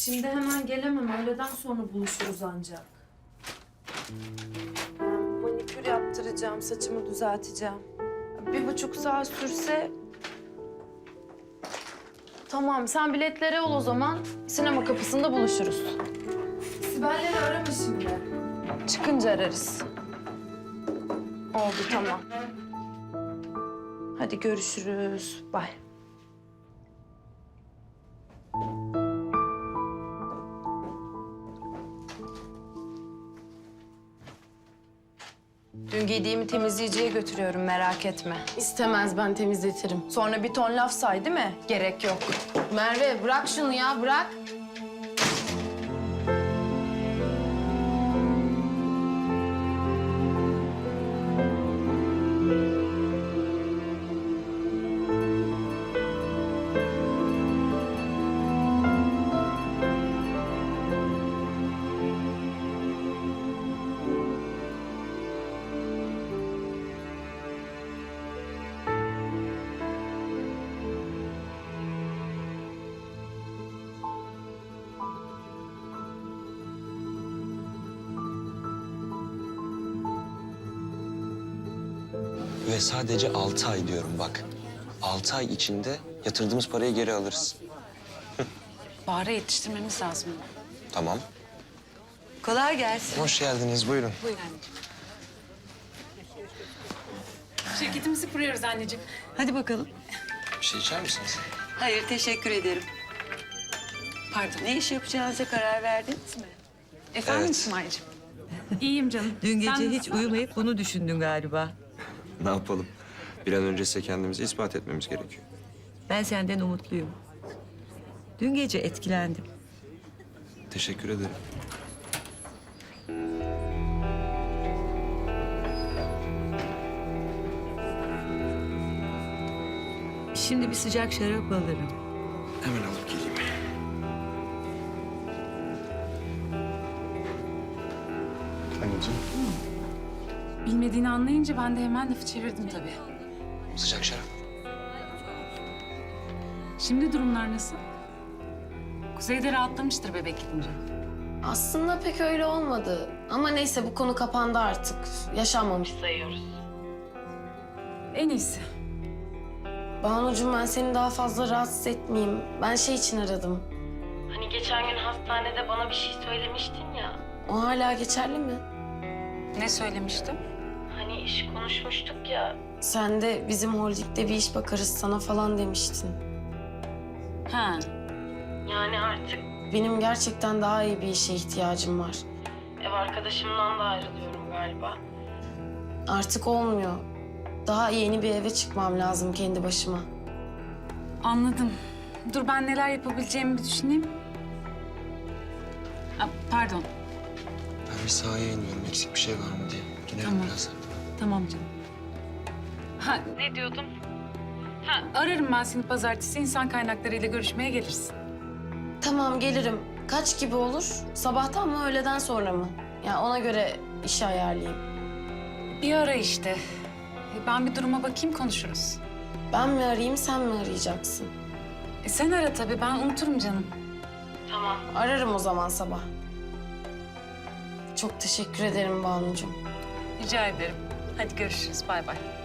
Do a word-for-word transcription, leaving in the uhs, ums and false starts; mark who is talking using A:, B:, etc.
A: Şimdi hemen gelemem. Öğleden sonra buluşuruz ancak. Ben manikür yaptıracağım, saçımı düzelteceğim. Bir buçuk saat sürse... Tamam, sen biletleri ol o zaman. Sinema kapısında buluşuruz. Sibel'leri arama şimdi. Çıkınca ararız. Oldu, tamam. Hadi görüşürüz. Bye. Dün giydiğimi temizleyiciye götürüyorum, merak etme.
B: İstemez, ben temizletirim.
A: Sonra bir ton laf say değil mi? Gerek yok.
B: Merve bırak şunu ya, bırak.
C: Ve sadece altı ay diyorum bak. Altı ay içinde yatırdığımız parayı geri alırız.
D: Bahar'a yetiştirmemiz lazım.
C: Tamam.
D: Kolay gelsin.
C: Hoş geldiniz, buyurun.
D: Buyur anneciğim. Şirketimizi kuruyoruz anneciğim. Hadi bakalım.
C: Bir şey içer misiniz?
E: Hayır, teşekkür ederim.
D: Pardon.
E: Ne iş yapacağınıza karar verdiniz mi?
D: Efendim
C: Evet.
D: İsmail'cim? İyiyim canım.
E: Dün gece
D: Sen
E: hiç
D: nasılsın?
E: uyumayıp bunu düşündün galiba.
C: Ne yapalım? Bir an önce size kendimizi ispat etmemiz gerekiyor.
E: Ben senden umutluyum. Dün gece etkilendim.
C: Teşekkür ederim.
E: Şimdi bir sıcak şarap alırım.
C: Hemen alıp geleyim. Anneciğim.
D: Bilmediğini anlayınca ben de hemen lafı çevirdim tabii.
C: Sıcak şarap.
D: Şimdi durumlar nasıl? Kuzey'de rahatlamıştır bebek gidince.
B: Aslında pek öyle olmadı. Ama neyse, bu konu kapandı artık. Yaşanmamış sayıyoruz.
D: En iyisi.
B: Banucuğum, ben seni daha fazla rahatsız etmeyeyim. Ben şey için aradım. Hani geçen gün hastanede bana bir şey söylemiştin ya. O hala geçerli mi?
D: Ne söylemiştim?
B: Hani iş konuşmuştuk ya. Sen de bizim holdingde bir iş bakarız sana falan demiştin.
D: Ha.
B: Yani artık benim gerçekten daha iyi bir işe ihtiyacım var. Ev arkadaşımdan da ayrılıyorum galiba. Artık olmuyor. Daha yeni bir eve çıkmam lazım kendi başıma.
D: Anladım. Dur ben neler yapabileceğimi bir düşüneyim. Aa, pardon.
C: Ben bir sahaya iniyorum, eksik bir şey var mı diye. Gidelim
D: Tamam.
C: birazdan.
D: Tamam canım. Ha ne diyordum? Ha ararım ben seni pazartesi, insan kaynaklarıyla görüşmeye gelirsin.
B: Tamam, gelirim. Kaç gibi olur? Sabahtan mı, öğleden sonra mı? Ya ona göre işi ayarlayayım.
D: Bir ara işte. E, Ben bir duruma bakayım, konuşuruz.
B: Ben mi arayayım, sen mi arayacaksın?
D: E, sen ara tabii, ben unuturum canım.
B: Tamam. Ararım o zaman sabah. Çok teşekkür ederim Banucuğum.
D: Rica ederim. Hadi görüşürüz, bay bay.